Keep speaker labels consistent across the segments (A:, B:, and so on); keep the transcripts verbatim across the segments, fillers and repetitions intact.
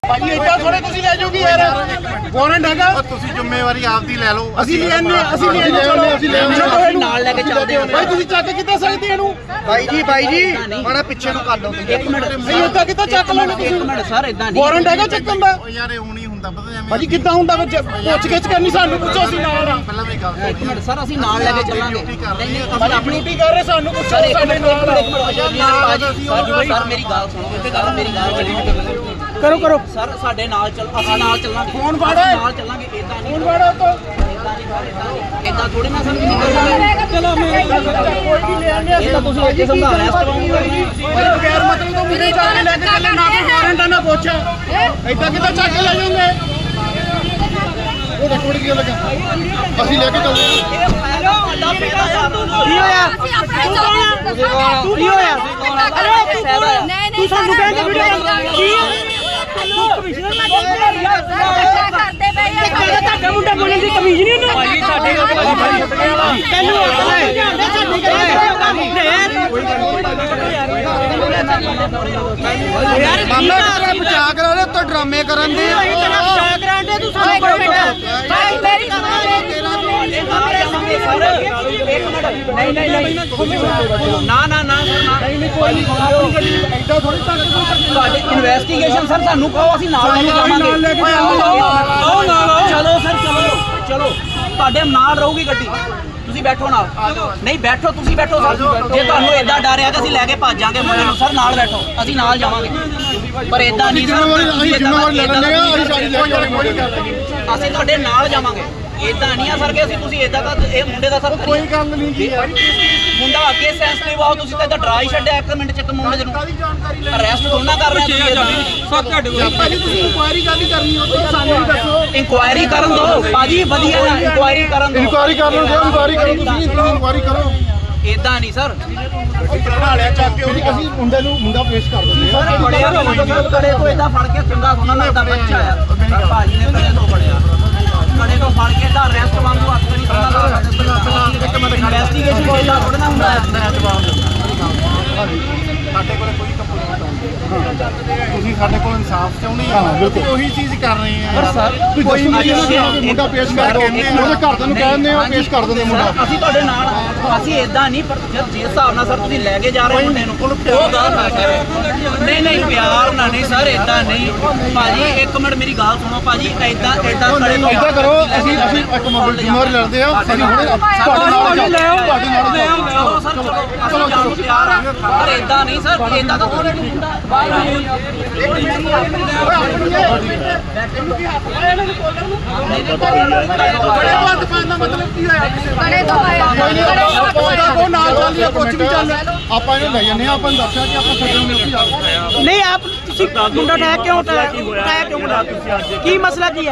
A: ਭਾਜੀ ਇੱਦਾਂ ਥੋੜੇ ਤੁਸੀਂ ਲੈ ਜਾਓਗੇ ਯਾਰ ਵਾਰੰਟ ਹੈਗਾ
B: ਤੁਸੀਂ ਜ਼ਿੰਮੇਵਾਰੀ ਆਪਦੀ ਲੈ ਲਓ
A: ਅਸੀਂ ਲੈਣੇ ਅਸੀਂ ਲੈਣੇ ਚਲੋ ਅਸੀਂ ਲੈਣੇ
C: ਨਾਲ ਲੈ ਕੇ ਚੱਲਦੇ ਹਾਂ
A: ਭਾਈ ਤੁਸੀਂ ਚੱਕ ਕਿੱਦਾਂ ਸਕਦੇ ਇਹਨੂੰ
B: ਬਾਈ ਜੀ ਬਾਈ ਜੀ ਮਾੜਾ ਪਿੱਛੇ ਨੂੰ ਕਰ ਲਓ
C: ਇੱਕ ਮਿੰਟ
A: ਨਹੀਂ ਇੱਦਾਂ ਕਿੱਦਾਂ ਚੱਕ ਲੈਣੇ ਤੁਸੀਂ
C: ਇੱਕ ਮਿੰਟ ਸਰ ਇਦਾਂ ਨਹੀਂ
A: ਵਾਰੰਟ ਹੈਗਾ ਚੱਕਣ ਦਾ
B: ਯਾਰ ਇਹ ਹੁਣ ਹੀ ਹੁੰਦਾ ਪਤਾ ਐਵੇਂ
A: ਭਾਜੀ ਕਿੱਦਾਂ ਹੁੰਦਾ ਵਿੱਚ ਪੁੱਛ ਗਿੱਛ ਕਰਨੀ ਸਾਨੂੰ ਪੁੱਛੋ ਅਸੀਂ ਨਾਲ ਆ
B: ਪਹਿਲਾਂ ਵੀ ਗੱਲ
C: ਇੱਕ ਮਿੰਟ ਸਰ ਅਸੀਂ ਨਾਲ ਲੈ ਕੇ ਚੱਲਾਂਗੇ ਨਹੀਂ ਨਹੀਂ ਅਸੀਂ ਆਪਣੀ
A: ਡਿਊਟੀ ਕਰ ਰਹੇ ਸਾਨੂੰ ਪੁੱਛੋ ਸਾਡੇ ਨਾਲ
C: ਸਰ ਮੇਰੀ ਗੱਲ ਸੁਣੋ ਇੱਥੇ ਗੱਲ ਮੇਰੀ ਗੱਲ
A: ਕਰੋ ਕਰੋ
C: ਸਰ ਸਾਡੇ ਨਾਲ ਚੱਲ ਅਸੀਂ ਨਾਲ ਚੱਲਾਂਗੇ
A: ਫੋਨ ਫੜੋ
C: ਨਾਲ ਚੱਲਾਂਗੇ ਇਦਾਂ ਨਹੀਂ
A: ਫੋਨ ਫੜੋ ਤੋਂ
C: ਇਦਾਂ ਥੋੜੀ ਨਾ ਸਰ ਚਲੋ ਮੈਂ
A: ਕੋਈ ਵੀ ਲੈ ਆਂਦੇ
C: ਇਹ ਤਾਂ ਤੁਸੀਂ ਇੱਥੇ ਸਮਝਾ ਰਹੇ
A: ਭਾਈ ਬਗੈਰ ਮਤਲਬ ਤੋਂ ਮੁੰਡੇ ਚੱਕ ਕੇ ਲੈ ਕੇ ਚੱਲੇ ਨਾ ਕੋਈ ਵਾਰੰਟ ਨਾ ਪੁੱਛ ਏਦਾਂ ਕਿੱਦਾਂ ਚੱਕ ਕੇ ਲੈ ਜਾਓਗੇ ਉਹ ਥੋੜੀ ਜਿਹੀ ਲੱਗਾ ਅਸੀਂ ਲੈ ਕੇ ਚੱਲਦੇ ਹਾਂ
C: ਕੀ ਹੋਇਆ
D: ਤੂੰ ਕੀ ਹੋਇਆ ਅਰੇ ਤੂੰ ਸਾਨੂੰ ਕਹਿੰਦੇ ਵੀਡੀਓ ਕੀ ਤੂੰ ਕਮਿਸ਼ਨਰ ਨਾਲ ਕਰਦੇ ਪਏ ਆ ਤੁਹਾਡਾ ਮੁੰਡਾ ਬੋਲਣ ਦੀ ਕਮਿਸ਼ਨ ਨਹੀਂ ਉਹਨੂੰ ਭਾਈ ਸਾਡੇ ਤੈਨੂੰ ਯਾਰ
B: ਮਾਮਲਾ ਤੇਰਾ ਬਚਾ ਕਰਾ ਲੈ ਉੱਤੇ ਡਰਾਮੇ ਕਰਨ ਦੇ
D: ਤੇਰਾ ਬਚਾ ਕਰਾਂਦੇ ਤੂੰ ਸਾਨੂੰ ਭਾਈ ਮੇਰੀ
C: ਨਹੀਂ ਨਹੀਂ ਨਹੀਂ ਨਾ ਨਾ ਨਾ
A: ਨਹੀਂ ਕੋਈ ਨਹੀਂ ਏਦਾਂ ਥੋੜੀ ਚੱਕ
C: ਤੁਹਾਡੇ ਇਨਵੈਸਟੀਗੇਸ਼ਨ ਸਰ ਸਾਨੂੰ ਕਹੋ ਅਸੀਂ ਨਾਲ ਲੈ ਕੇ ਜਾਵਾਂਗੇ
A: ਨਾਲ ਲੈ ਕੇ ਜਾਓ
C: ਚਲੋ ਸਰ ਚਲੋ ਚਲੋ ਤੁਹਾਡੇ ਨਾਲ ਰਹੂਗੀ ਗੱਡੀ ਤੁਸੀਂ ਬੈਠੋ ਨਾਲ ਨਹੀਂ ਬੈਠੋ ਤੁਸੀਂ ਬੈਠੋ ਸਰ ਜੇ ਤੁਹਾਨੂੰ ਏਦਾਂ ਡਰ ਆ ਕਿ ਅਸੀਂ ਲੈ ਕੇ ਭੱਜ ਜਾਾਂਗੇ ਮੁੰਡੇ ਨੂੰ ਸਰ ਨਾਲ ਬੈਠੋ ਅਸੀਂ ਨਾਲ ਜਾਵਾਂਗੇ ਪਰ ਏਦਾਂ ਨਹੀਂ ਸਰ
B: ਅਸੀਂ ਜ਼ਿੰਮੇਵਾਰੀ ਲੈ ਲੈਂਦੇ ਆ ਅਸੀਂ ਸਾਰੀ ਲੈ ਕੇ
C: ਅਸੀਂ ਤੁਹਾਡੇ ਨਾਲ ਜਾਵਾਂਗੇ ਏਦਾਂ ਨਹੀਂ ਆ ਸਰ ਕਿ ਅਸੀਂ ਤੁਸੀਂ ਏਦਾਂ ਦਾ ਇਹ ਮੁੰਡੇ ਦਾ ਸਰ
A: ਕੋਈ ਗੱਲ ਨਹੀਂ ਜੀ
C: ਮੁੰਡਾ ਅੱਗੇ ਸੈਂਸਿਟਿਵ ਆਓ ਤੁਸੀਂ ਤਾਂ ਏਦਾਂ ਡਰਾ ਹੀ ਛੱਡਿਆ ਇੱਕ ਮਿੰਟ ਚ ਇੱਕ ਮੁੰਡੇ ਨੂੰ ਅਰੈਸਟ ਦੋਨਾਂ ਕਰ ਰਹੇ ਤੁਸੀਂ
A: ਸਭ ਤੁਹਾਡੇ ਕੋਲ ਭਾਜੀ ਤੁਸੀਂ ਇਨਕੁਆਇਰੀ ਗੱਲ ਹੀ ਕਰਨੀ ਉਹ ਤਾਂ ਸਾਨੂੰ ਵੀ ਦੱਸੋ
C: ਇਨਕੁਆਇਰੀ ਕਰਨ ਦਿਓ ਭਾਜੀ ਵਧੀਆ ਇਨਕੁਆਇਰੀ ਕਰਨ ਦਿਓ
B: ਇਨਕੁਆਇਰੀ ਕਰ ਲਓ ਇਨਕੁਆਇਰੀ ਕਰੋ ਤੁਸੀਂ ਇਨਕੁਆਇਰੀ ਕਰੋ
C: ਏਦਾਂ ਨਹੀਂ ਸਰ
A: ਬਣਾ ਲਿਆ ਚੱਕ ਕੇ ਉਹਦੀ ਅਸੀਂ ਮੁੰਡੇ ਨੂੰ ਮੁੰਡਾ ਪੇਸ਼ ਕਰ ਦਿੰਦੇ
C: ਸਰ ਬੜਿਆ ਕੜੇ ਤੋਂ ਏਦਾਂ ਫੜ ਕੇ ਚੰਗਾ ਸੋਨਾ ਲੱਗਦਾ ਬੱਚਾ ਆ ਭਾਜੀ ਨੇ ਕੜੇ ਤੋਂ ਫੜਿਆ ਕੜੇ ਤੋਂ ਫੜ ਕੇ ਤਾਂ ਅਰੈਸਟ ਵਾਂਗੂ ਹੱਥ ਨਹੀਂ ਕਰਨਾ ਇਨਵੈਸਟੀਗੇਸ਼ਨ ਕੋਈ ਦਾ ਥੋੜਾ ਨਾ ਹੁੰਦਾ
B: ਸਾਡੇ ਕੋਲ ਕੋਈ ਕੰਪਲੇਂਟ ਨਹੀਂ ਤੁਸੀਂ ਸਾਡੇ ਕੋਲ ਇਨਸਾਫ ਚਾਹੁੰਦੇ ਆ ਅਸੀਂ ਉਹੀ ਚੀਜ਼ ਕਰ ਰਹੇ ਆ
A: ਪਰ ਸਰ ਕੋਈ ਨਹੀਂ ਮੁੰਡਾ ਪੇਸ਼ ਕਰ ਉਹਦੇ ਘਰਦਿਆਂ ਨੂੰ ਕਹਿੰਦੇ ਆ ਪੇਸ਼ ਕਰ ਦਿੰਦੇ ਮੁੰਡਾ
C: ਅਸੀਂ ਤੁਹਾਡੇ ਨਾਲ ਅਸੀਂ ਏਦਾਂ ਨਹੀਂ ਪਰ ਜਿਸ ਹਿਸਾਬ ਨਾਲ ਸਰ ਤੁਸੀਂ ਲੈ ਕੇ ਜਾ ਰਹੇ ਮੁੰਡੇ ਨੂੰ ਉਹ ਗੱਲ ਨਾ ਕਰ ਨਹੀਂ ਨਹੀਂ ਪਿਆਰ ਨਾਲ ਨਹੀਂ ਸਰ ਏਦਾਂ ਨਹੀਂ ਭਾਜੀ ਇੱਕ ਮਿੰਟ ਮੇਰੀ ਗੱਲ ਸੁਣੋ ਭਾਜੀ ਏਦਾਂ ਏਦਾਂ ਕਰੇ
B: ਏਦਾਂ ਕਰੋ ਅਸੀਂ ਅਸੀਂ ਇੱਕ ਮੋਬਾਈਲ ਜ਼ਿੰਮੇਵਾਰੀ ਲੈਂਦੇ ਆ ਅਸੀਂ ਹੁਣੇ ਤੁਹਾਡੇ ਨਾਲ ਲੈ ਆਓ ਤੁਹਾਡੇ ਨਾਲ ਲੈ ਆਓ
C: ਚਲੋ ਸਰ ਚਲੋ ਅਸੀਂ ਜਾਣ ਨੂੰ ਤਿਆਰ ਆ ਪਰ ਏਦਾਂ ਨਹੀਂ ਸਰ ਏਦਾਂ ਤਾਂ ਕੋਈ ਨਹੀਂ ਹੁੰਦਾ
A: ਬੜੇ ਬੰਦ ਪਾਣ ਦਾ ਮਤਲਬ ਕੀ ਹੋਇਆ
D: ਬੜੇ ਤੋਂ ਆਇਆ
A: ਉਹ ਨਾਲ ਚੱਲ ਰਿਹਾ ਕੁਝ ਵੀ ਚੱਲ
B: ਆਪਾਂ ਇਹਨੂੰ ਲੈ ਜੰਨੇ ਆਪਾਂ ਨੂੰ ਦੱਸਿਆ ਕਿ ਆਪਾਂ ਛੱਡਣ ਨੂੰ ਉੱਥੇ ਜਾ
E: ਨਹੀਂ ਆਪ ਤੁਸੀਂ ਮੁੰਡਾ ਉਠਾਇਆ ਕਿਉਂ ਉਠਾਇਆ ਉਠਾਇਆ ਕਿਉਂ ਮੁੰਡਾ ਕੀ ਮਸਲਾ ਕੀ ਹੈ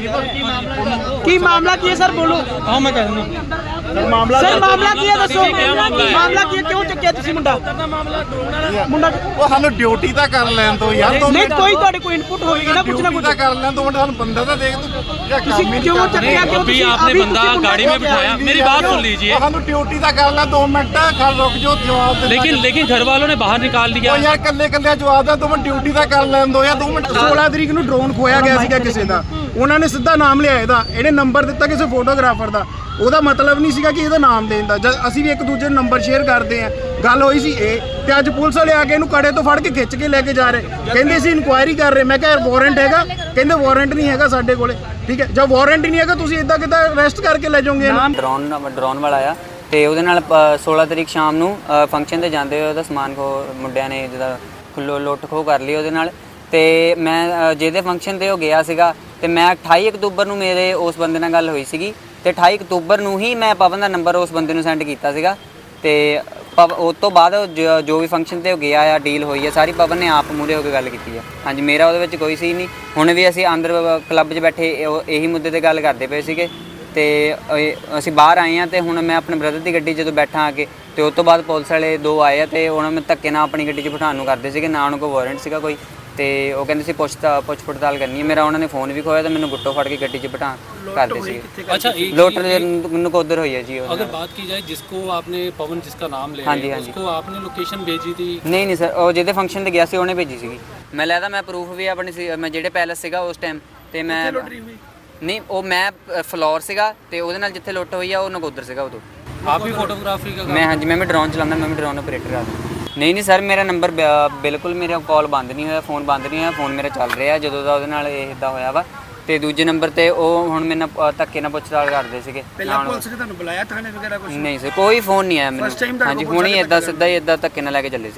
E: ਕੀ ਮਾਮਲਾ ਕੀ ਹੈ ਸਰ ਬੋਲੋ
A: ਹਾਂ ਮੈਂ ਕਹਿ ਦਿੰਦਾ ਮਾਮਲਾ
E: ਸਰ ਮਾਮਲਾ ਕੀ ਹੈ ਦੱਸੋ ਮਾਮਲਾ ਕੀ ਹੈ ਕਿਉਂ ਚੱਕਿਆ ਤੁਸੀਂ ਮੁੰਡਾ ਮੁੰਡਾ
B: ਉਹ ਸਾਨੂੰ ਡਿਊਟੀ ਤਾਂ ਕਰ ਲੈਣ ਦੋ ਯਾਰ ਦੋ
E: ਨਹੀਂ ਕੋਈ ਤੁਹਾਡੇ ਕੋਈ ਇਨਪੁਟ ਹੋਵੇਗੀ ਨਾ ਕੁਛ ਨਾ ਕੁਛ
B: ਤਾਂ ਕਰ ਲੈਣ ਦੋ ਮਿੰਟ ਸਾਨੂੰ ਬੰਦਾ ਤਾਂ ਦੇਖ ਤੂੰ
E: ਤੁਸੀਂ ਕਿਉਂ ਚੱਕਿਆ ਕਿਉਂ
F: अभी
E: ਤੁਸੀਂ
F: आपने बंदा गाड़ी में बिठाया मेरी बात सुन लीजिए
B: ਸਾਨੂੰ ਡਿਊਟੀ ਤਾਂ ਕਰ ਲੈ ਦੋ ਮਿੰਟ ਖੜ ਰੁਕ ਜਾਓ ਜਵਾਬ ਦੇ
F: लेकिन लेकिन घर वालों ने बाहर निकाल दिया
B: ਉਹ ਯਾਰ ਕੱਲੇ ਕੱਲੇ ਜਵਾਬ ਦਾ ਦੋ ਮਿੰਟ ਡਿਊਟੀ ਤਾਂ ਕਰ ਲੈਣ ਦੋ ਯਾਰ ਦੋ ਮਿੰਟ
A: ਸੋਲਾਂ ਤਰੀਕ ਨੂੰ ਡਰੋਨ ਖੋਇਆ ਗਿਆ ਸੀਗਾ ਕਿਸੇ ਦਾ ਉਹਨਾਂ ਨੇ ਸਿੱਧਾ ਨਾਮ ਲਿਆ ਇਹਦਾ ਇਹਨੇ ਨੰਬਰ ਦਿੱਤਾ ਕਿਸੇ ਫੋਟੋਗ੍ਰਾਫਰ ਦਾ ਉਹਦਾ ਮਤਲਬ ਨਹੀਂ ਸੀਗਾ ਕਿ ਇਹਦਾ ਨਾਮ ਦੇਣ ਦਾ ਜਦ ਅਸੀਂ ਵੀ ਇੱਕ ਦੂਜੇ ਨੂੰ ਨੰਬਰ ਸ਼ੇਅਰ ਕਰਦੇ ਆ ਗੱਲ ਹੋਈ ਸੀ ਇਹ ਤੇ ਅੱਜ ਪੁਲਿਸ ਵਾਲੇ ਆ ਕੇ ਇਹਨੂੰ ਕੜੇ ਤੋਂ ਫੜ ਕੇ ਖਿੱਚ ਕੇ ਲੈ ਕੇ ਜਾ ਰਹੇ ਕਹਿੰਦੇ ਅਸੀਂ ਇਨਕੁਆਇਰੀ ਕਰ ਰਹੇ ਮੈਂ ਕਿਹਾ ਵਾਰੰਟ ਹੈਗਾ ਕਹਿੰਦੇ ਵਾਰੰਟ ਨਹੀਂ ਹੈਗਾ ਸਾਡੇ ਕੋਲੇ ਠੀਕ ਹੈ ਜਦ ਵਾਰੰਟ ਹੀ ਨਹੀਂ ਹੈਗਾ ਤੁਸੀਂ ਇਦਾਂ ਕਿੱਦਾਂ ਅਰੈਸਟ ਕਰਕੇ ਲੈ ਜਾਓਗੇ
G: ਡਰੋਨ ਡਰੋਨ ਵਾਲਾ ਆ ਤੇ ਉਹਦੇ ਨਾਲ ਸੋਲਾਂ ਤਰੀਕ ਸ਼ਾਮ ਨੂੰ ਫੰਕਸ਼ਨ ਤੇ ਜਾਂਦੇ ਹੋਏ ਉਹਦਾ ਸਮਾਨ ਖੋ ਮੁੰਡਿਆਂ ਨੇ ਜਿਹਦਾ ਖੁੱਲੋ ਲੁੱਟ ਖੋ ਕਰ ਲਈ ਉਹਦੇ ਨਾਲ ਤੇ ਮੈਂ ਜਿਹਦੇ ਫੰਕਸ਼ਨ ਤੇ ਉਹ ਗਿਆ ਸੀਗਾ ਤੇ ਮੈਂ ਅਠਾਈ ਅਕਤੂਬਰ ਨੂੰ ਮੇਰੇ ਉਸ ਬੰਦੇ ਨਾਲ ਗੱਲ ਹੋਈ ਸੀਗੀ ਤੇ ਅਠਾਈ ਅਕਤੂਬਰ ਨੂੰ ਹੀ ਮੈਂ ਪਵਨ ਦਾ ਨੰਬਰ ਉਸ ਬੰਦੇ ਨੂੰ ਸੈਂਡ ਕੀਤਾ ਸੀਗਾ ਤੇ ਉਸ ਤੋਂ ਬਾਅਦ ਜੋ ਵੀ ਫੰਕਸ਼ਨ ਤੇ ਉਹ ਗਿਆ ਆ ਡੀਲ ਹੋਈ ਆ ਸਾਰੀ ਪਵਨ ਨੇ ਆਪ ਮੂਹਰੇ ਹੋ ਕੇ ਗੱਲ ਕੀਤੀ ਆ ਹਾਂਜੀ ਮੇਰਾ ਉਹਦੇ ਵਿੱਚ ਕੋਈ ਸੀ ਨਹੀਂ ਹੁਣ ਵੀ ਅਸੀਂ ਅੰਦਰ ਕਲੱਬ 'ਚ ਬੈਠੇ ਇਹੀ ਮੁੱਦੇ ਤੇ ਗੱਲ ਕਰਦੇ ਪਏ ਸੀਗੇ ਤੇ ਅਸੀਂ ਬਾਹਰ ਆਏ ਆ ਤੇ ਹੁਣ ਮੈਂ ਆਪਣੇ ਬ੍ਰਦਰ ਦੀ ਗੱਡੀ ਜਦੋਂ ਬੈਠਾ ਆ ਕੇ ਤੇ ਉਸ ਤੋਂ ਬਾਅਦ ਪੁਲਿਸ ਵਾਲੇ ਦੋ ਆਏ ਆ ਤੇ ਉਹਨਾਂ ਨੂੰ ਧੱਕੇ ਨਾਲ ਆਪਣੀ ਗੱਡੀ 'ਚ ਬਿਠਾਉਣ ਨੂੰ ਕਰਦੇ ਸੀਗੇ ਨਾ ਉਹਨਾਂ ਕੋਲ ਵਾਰੰਟ ਸੀਗਾ ਕੋਈ ਤੇ ਉਹ ਕਹਿੰਦੇ ਸੀ ਪੁੱਛ ਪੁੱਛ ਪੜਤਾਲ ਕਰਨੀ ਹੈ ਮੇਰਾ ਉਹਨਾਂ ਨੇ ਫੋਨ ਵੀ ਖੋਇਆ ਤੇ ਮੈਨੂੰ ਗੁੱਟੋ ਫੜ ਕੇ ਗੱਡੀ 'ਚ ਬਿਠਾ ਕਰਦੇ ਸੀ
F: अच्छा एक
G: ਲੋਟ ਨਕੋਦਰ ਹੋਈ ਹੈ ਜੀ ਉਹ
F: अगर बात की जाए जिसको आपने पवन जिसका नाम ले
G: हाँ जी,
F: रहे हैं,
G: हाँ जी।
F: उसको आपने लोकेशन भेजी थी
G: ਨਹੀਂ ਨਹੀਂ ਸਰ ਉਹ ਜਿਹਦੇ ਫੰਕਸ਼ਨ ਤੇ ਗਿਆ ਸੀ ਉਹਨੇ ਭੇਜੀ ਸੀਗੀ ਮੈਂ ਲੈਦਾ ਮੈਂ ਪ੍ਰੂਫ ਵੀ ਆਪਣੀ ਸੀ ਮੈਂ ਜਿਹੜੇ ਪੈਲਸ ਸੀਗਾ ਉਸ ਟਾਈਮ ਤੇ ਮੈਂ ਨਹੀਂ ਉਹ ਮੈਂ ਅ, ਫਲੋਰ ਸੀਗਾ ਤੇ ਉਹਦੇ ਨਾਲ ਜਿੱਥੇ ਲੁੱਟ ਹੋਈ ਆ ਉਹ ਨਗੋਦਰ ਸੀਗਾ ਉਦੋਂ
F: आप भी फोटोग्राफी का
G: ਮੈਂ ਹਾਂਜੀ ਮੈਂ ਵੀ ਡਰੋਨ ਚਲਾਉਂਦਾ ਮੈਂ ਵੀ ਡਰੋਨ ਆਪਰੇਟਰ ਆ ਨਹੀਂ ਨਹੀਂ ਸਰ ਮੇਰਾ ਨੰਬਰ ਬਿਲਕੁਲ ਮੇਰਾ ਕਾਲ ਬੰਦ ਨਹੀਂ ਹੋਇਆ ਫੋਨ ਬੰਦ ਨਹੀਂ ਹੋਇਆ ਫੋਨ ਮੇਰਾ ਚੱਲ ਰਿਹਾ ਜਦੋਂ ਦਾ ਉਹਦੇ ਨਾਲ ਇਹ ਇਦਾਂ ਹੋਇਆ ਵਾ ਤੇ ਦੂਜੇ ਨੰਬਰ ਤੇ ਉਹ ਹੁਣ ਮੇਰੇ ਨਾਲ ਅ, ਧੱਕੇ ਨਾਲ ਪੁੱਛਤਾਲ ਕਰਦੇ ਸੀਗੇ
E: ਪਹਿਲਾਂ ਪੁਲਿਸ ਨੇ ਤੁਹਾਨੂੰ ਬੁਲਾਇਆ ਥਾਣੇ ਵਗੈਰਾ ਕੁਝ
G: ਨਹੀਂ ਸਰ ਕੋਈ ਫੋਨ ਨਹੀਂ ਆਇਆ ਮੈਨੂੰ ਹਾਂਜੀ ਹੁਣ ਹੀ ਇਦਾਂ ਸਿੱਧਾ ਹੀ ਇਦਾਂ ਧੱਕੇ ਨਾਲ ਲੈ ਕੇ ਚੱਲੇ ਸੀ